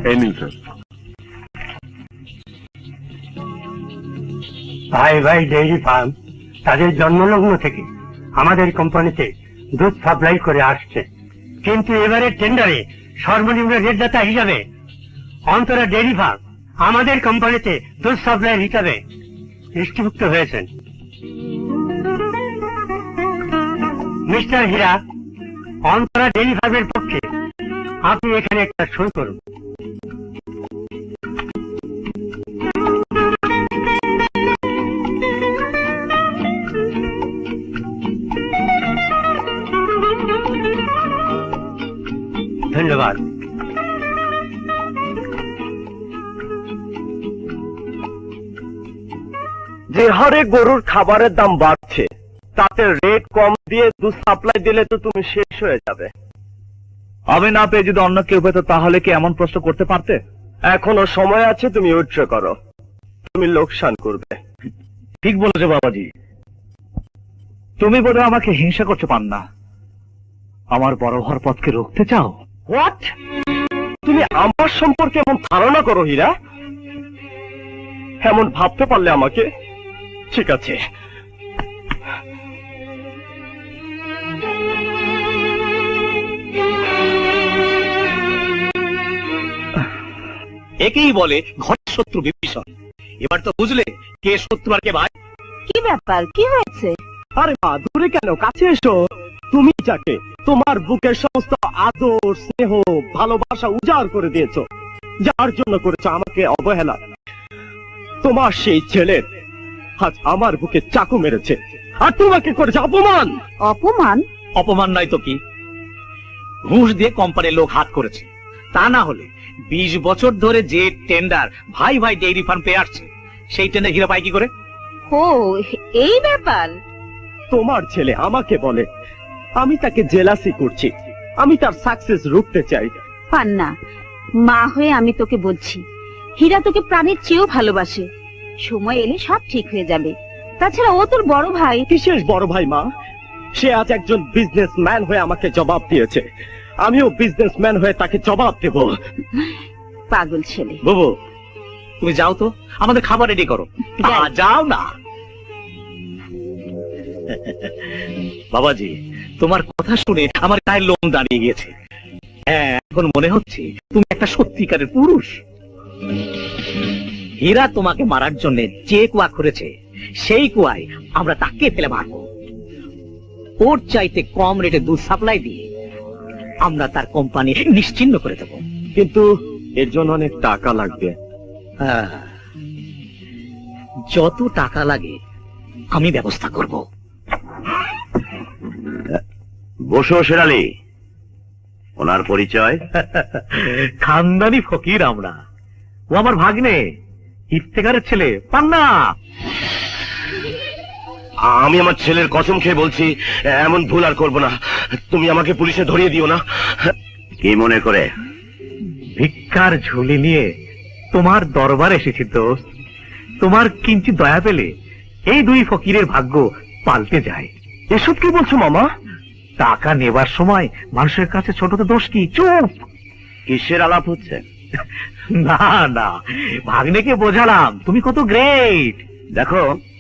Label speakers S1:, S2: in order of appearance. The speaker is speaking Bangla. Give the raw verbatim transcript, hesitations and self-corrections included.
S1: এই নিন স্যার।
S2: ভাই ভাই ডেইরি ফার্ম তাদের জন্মলগ্ন থেকে আমাদের কোম্পানিতে দুধ সাপ্লাই করে আসছে, কিন্তু এবারে টেন্ডারে সর্বনিম্ন রেটদাতা হিসাবে অন্তরা ডেইরি ফার্ম আমাদের কোম্পানিতে দুধ সাপ্লাই হিসাবে দৃষ্টিভুক্ত হয়েছেন। মিস্টার হীরা, অন্তরা ডেইরি ফার্মের পক্ষে আপনি এখানে একটা সই করুন। ধন্যবাদ।
S3: যে হারে গরুর খাবারের দাম বাড়ছে, তাতে রেট কম দিয়ে দুধ সাপ্লাই দিলে তো তুমি শেষ হয়ে যাবে।
S4: আমি না পেয়ে যদি অন্য কেউ পেত তাহলে কি এমন প্রশ্ন করতে পারতে?
S3: এখনো সময় আছে, তুমি উইথড্র করো, তুমি লোকসান করবে।
S4: ঠিক বলেছো বাবাজি, তুমি বোধহয় আমাকে হিংসা করতে পার না, আমার বড় হওয়ার পথকে রুখতে চাও।
S3: হোয়াট? তুমি আমার সম্পর্কে এমন ধারণা করো হীরা? এমন ভাবতে পারলে আমাকে? ঠিক আছে,
S4: একেই বলে ঘর শত্রু বিভীষণ। এবার তো বুঝলে কে শত্রু আর কে ভাই।
S5: কি ব্যাপার, কি হয়েছে?
S3: আরে মা, দূরে কেন, কাছে এসো। তুমি যাকে তোমার বুকের সমস্ত আদর, স্নেহ, ভালোবাসা উজাড় করে দিয়েছো, যার জন্য করেছো আমাকে অবহেলা, তোমার সেই ছেলের আজ আমার বুকে চাকু মেরেছে, আর তোমাকে করেছে অপমান।
S5: অপমান?
S4: অপমান নয় তো কি, ঘুষ দিয়ে কোম্পানির লোক হাত করেছে। তা না হলে বিশ বছর ধরে যে টেন্ডার ভাই ভাই ডেইরি ফার্ম পেয়ে আসছে, সেই টেন্ডার হীরা পায় কি করে?
S5: ও, এই ব্যাপার।
S3: তোমার ছেলে আমাকে বলে আমি তাকে জেলাসি করছি, আমি তার সাকসেস রুখতে চাই।
S5: পান্না, মা হয়ে আমি তোকে বলছি, হীরা তোকে প্রাণের চেয়েও ভালোবাসে। সময় এলে সব ঠিক হয়ে যাবে। তাছাড়া ও তোর বড় ভাই।
S3: বিশেষ বড় ভাই মা, সে আজ একজন বিজনেসম্যান হয়ে আমাকে জবাব দিয়েছে, আমিও বিজনেসম্যান হয়ে তাকে জবাব দেব।
S5: পাগল ছেলে।
S4: বুবু, তুমি যাও তো, আমাদের খাবার রেডি করো।
S5: যাই।
S4: যাও না বাবাজি, তোমার কথা শুনে আমার গায়ের লোম দাঁড়িয়ে গিয়েছে। হ্যাঁ, এখন মনে হচ্ছে তুমি একটা সত্যিকারের পুরুষ। হীরা তোমাকে মারার জন্য যে কুয়া করেছে, সেই কুয়ায় আমরা তাকে ফেলে মারবো। ওর চাইতে কম রেটে দুধ সাপ্লাই দিয়ে আমরা তার কোম্পানি নিশ্চিহ্ন করে দেব।
S3: কিন্তু এর জন্য অনেক টাকা লাগবে।
S4: হ্যাঁ, যত টাকা লাগে আমি ব্যবস্থা করব।
S1: বসো শেরালি, ওনার পরিচয়?
S4: খানদানি ফকির আমরা। ও আমার ভাগ্নে, ইফতেখারের ছেলে পান্না।
S1: আমি আমার ছেলের কসম খেয়ে বলছি, এমন ভুল আর করবো না। তুমি আমাকে পুলিশে ধরিয়ে দিও না। কি মনে করে?
S4: ভিক্ষার ঝুলি নিয়ে তোমার দরবার এসেছি দোস্ত। তোমার কিঞ্চিত দয়া পেলে এই দুই ফকিরের ভাগ্য পাল্টে যায়।
S3: এসব কি বলছো মামা?
S4: টাকা নেবার সময় মানুষের কাছে ছোট তো দোষ কি? চুপ।
S1: কিসের আলাপ হচ্ছে?
S4: না না, ভাগ্নেকে বোঝালাম তুমি কত গ্রেট।
S1: দেখো,